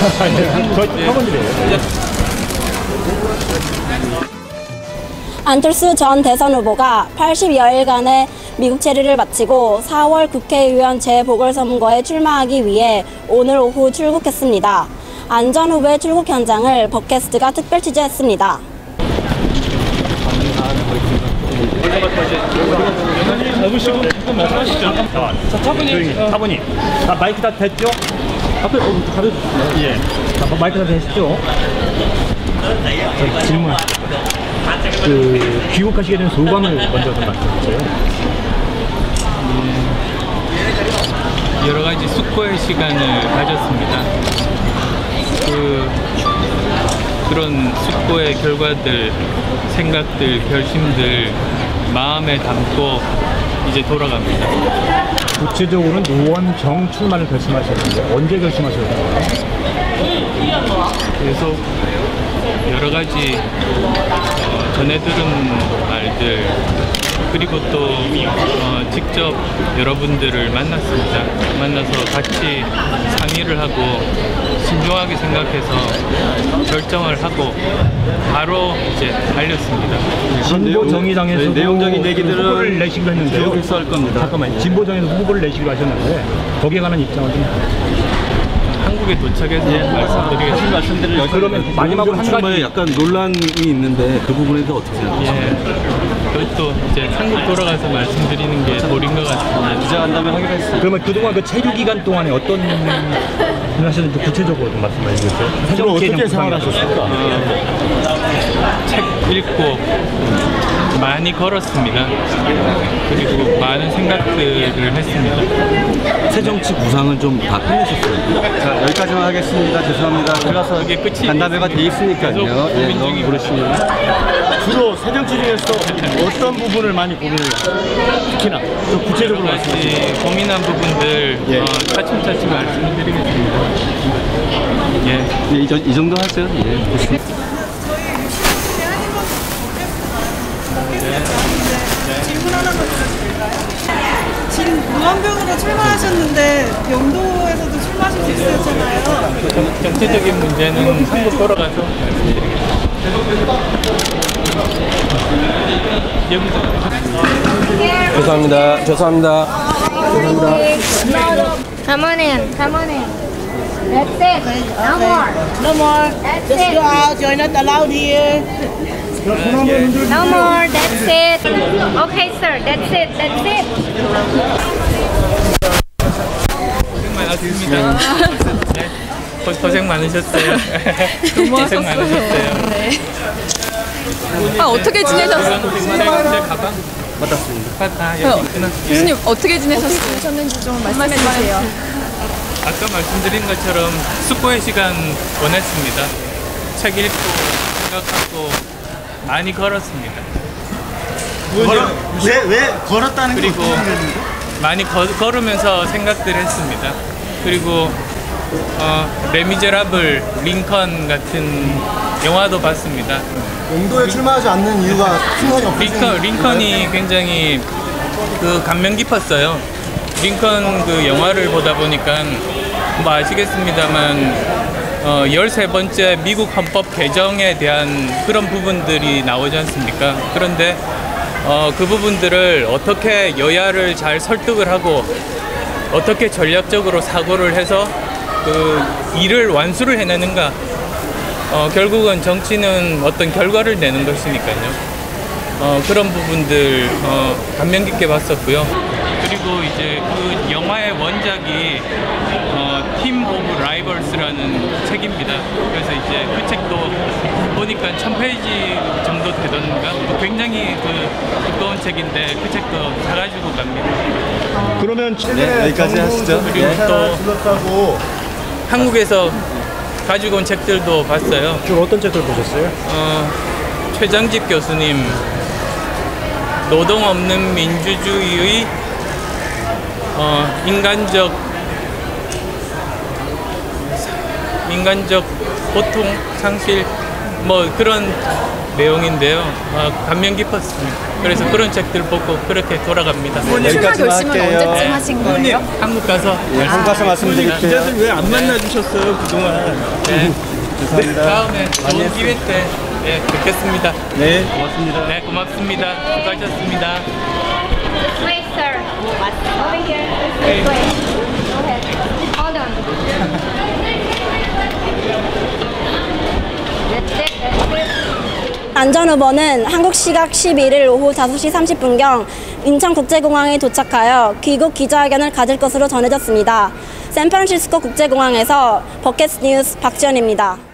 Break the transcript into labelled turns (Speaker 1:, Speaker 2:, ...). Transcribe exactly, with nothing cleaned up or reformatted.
Speaker 1: 저 학원들이에요.
Speaker 2: 안철수 전 대선 후보가 팔십여일간의 미국 체류를 마치고 사월 국회의원 재보궐선거에 출마하기 위해 오늘 오후 출국했습니다. 안 전 후보의 출국 현장을 벅캐스트가 특별 취재했습니다.
Speaker 1: 잡으시고 조금 말씀하시죠. 자, 차분히. 차분히. 아, 마이크 다 됐죠? 앞에 가려주세요. 예. 자, 마이크 다 됐죠? 자, 질문. 그, 귀국하시게 된 소감을 먼저 좀 말씀해주세요.
Speaker 3: 음, 여러 가지 숙고의 시간을 가졌습니다. 그, 그런 숙고의 결과들, 생각들, 결심들 마음에 담고 이제 돌아갑니다.
Speaker 1: 구체적으로는 노원정 출마를 결심하셨는데 언제 결심하셨나요?
Speaker 3: 계속 여러 가지 어, 전해 들은 말들 그리고 또 어, 직접 여러분들을 만났습니다. 만나서 같이 상의를 하고 신중하게 생각해서 결정을 하고 바로 이제 달렸습니다.
Speaker 1: 진보정의당에서
Speaker 4: 내용적인 얘기들은
Speaker 1: 후보를 내시기로 했는데요.
Speaker 4: 계속해서 할 겁니다.
Speaker 1: 잠깐만요. 진보정의에서 후보를 내시기로 하셨는데 거기에 관한 입장을 좀
Speaker 3: 한국에 도착해서 예, 말씀드리겠습니다.
Speaker 4: 말씀드릴
Speaker 1: 그러면 마지막으로 한 가지
Speaker 4: 약간 논란이 있는데 그 부분에 대해서 어떻게 생각하세요?
Speaker 3: 예, 그것도 이제 한국 돌아가서 말씀드리는 게 도리인 것 같습니다.
Speaker 4: 기자간담회 하기로 했습니다.
Speaker 1: 그러면 그동안 그 체류 기간 동안에 어떤 일을 하셨는지 구체적으로 좀 말씀해 주세요.
Speaker 4: 주로 어떻게 생활하셨습니까?
Speaker 3: 어, 책 읽고 많이 걸었습니다. 그리고 많은 생각들을 했습니다.
Speaker 4: 새정치 구상은 좀 다 끝내셨어요. 자, 여기까지만 하겠습니다. 죄송합니다. 들어가서
Speaker 3: 이게 끝이
Speaker 4: 간담회가 돼 있으니까요. 예, 너무 부르시면.
Speaker 5: 주로 새정치 중에서 어떤 부분을 많이 고민을 해요? 특히나 좀 구체적으로 말씀해주세요.
Speaker 3: 고민한 부분들
Speaker 5: 예.
Speaker 3: 어, 차츰차츰 말씀드리겠습니다. 예.
Speaker 4: 예, 이, 저, 이 정도 하세요. 예, 좋습니다.
Speaker 6: 질문 하나만 드려도 될까요? 지금 노원병으로 출마하셨는데 영도에서도 출마하실 수 있었잖아요.
Speaker 3: 정치적인 문제는 한국 돌아가서 말씀드리겠습니다.
Speaker 4: 죄송합니다. 죄송합니다.
Speaker 7: Come on in, come on in. That's it. No more.
Speaker 6: No more.
Speaker 7: That's
Speaker 6: Just
Speaker 7: it.
Speaker 6: go out. You're not allowed here.
Speaker 7: No more. That's it. Okay, sir. That's it. That's it.
Speaker 3: 고생 많았습니다. 네. 고, 고생 많으셨어요. 고생 많으셨어요.
Speaker 8: 네. 아, 어떻게 지내셨어요?
Speaker 3: 제 가방
Speaker 4: 받았습니다.
Speaker 3: 아, 여기 있구나.
Speaker 8: 교수님 어떻게 지내셨어요? 좀 말씀해 주세요.
Speaker 3: 아까 말씀드린 것처럼 숙고의 시간 보냈습니다. 책 읽고 생각하고 많이 걸었습니다.
Speaker 5: 왜, 왜 걸었다는 게
Speaker 3: 그리고 많이 거, 걸으면서 생각들 했습니다. 그리고 어, 레미제라블, 링컨 같은 영화도 봤습니다.
Speaker 5: 영도에 출마하지 않는 이유가 충분히 없으신
Speaker 3: 링컨, 링컨이 굉장히 그 감명 깊었어요. 링컨 그 영화를 보다 보니까 뭐 아시겠습니다만 어, 열세 번째 미국 헌법 개정에 대한 그런 부분들이 나오지 않습니까? 그런데 어, 그 부분들을 어떻게 여야를 잘 설득을 하고 어떻게 전략적으로 사고를 해서 그 일을 완수를 해내는가. 어, 결국은 정치는 어떤 결과를 내는 것이니까요. 어, 그런 부분들 어, 감명 깊게 봤었고요. 그리고 이제 그 영화의 원작이 어, 팀 오브 라이벌스라는 책입니다. 그래서 이제 그 책도 보니까 천 페이지 정도 되던가 굉장히 그 두꺼운 책인데 그 책도 사가지고 갑니다.
Speaker 5: 그러면 최근에
Speaker 4: 네, 여기까지 하시죠.
Speaker 3: 그리고
Speaker 4: 네.
Speaker 3: 또
Speaker 5: 둘러싸고
Speaker 3: 한국에서 가지고 온 책들도 봤어요.
Speaker 1: 주로 어떤 책들 보셨어요?
Speaker 3: 어, 최장집 교수님 노동 없는 민주주의의 어, 인간적 인간적 고통 상실 뭐 그런 내용인데요. 어, 감명 깊었습니다. 그래서 그런 책들 보고 그렇게 돌아갑니다.
Speaker 8: 출마
Speaker 4: 여기까지만
Speaker 8: 결심은
Speaker 4: 할게요.
Speaker 8: 언제쯤 하신 거예요?
Speaker 3: 한국 가서
Speaker 4: 예, 한국 가서 말씀드릴게요.
Speaker 5: 기자들 왜 안 만나 주셨어요 그동안?
Speaker 3: 네.
Speaker 4: 죄송합니다.
Speaker 3: 다음에 좋은 기회 때 네, 뵙겠습니다.
Speaker 5: 네, 고맙습니다.
Speaker 3: 네, 고맙습니다. 수고하셨습니다.
Speaker 7: This way, sir. Over here. This way. Go ahead. Hold on. That's it. That's it.
Speaker 2: 안전 후보는 한국 시각 십일 일 오후 다섯 시 삼십 분경 인천국제공항에 도착하여 귀국 기자회견을 가질 것으로 전해졌습니다. 샌프란시스코 국제공항에서 버켓 뉴스 박지연입니다.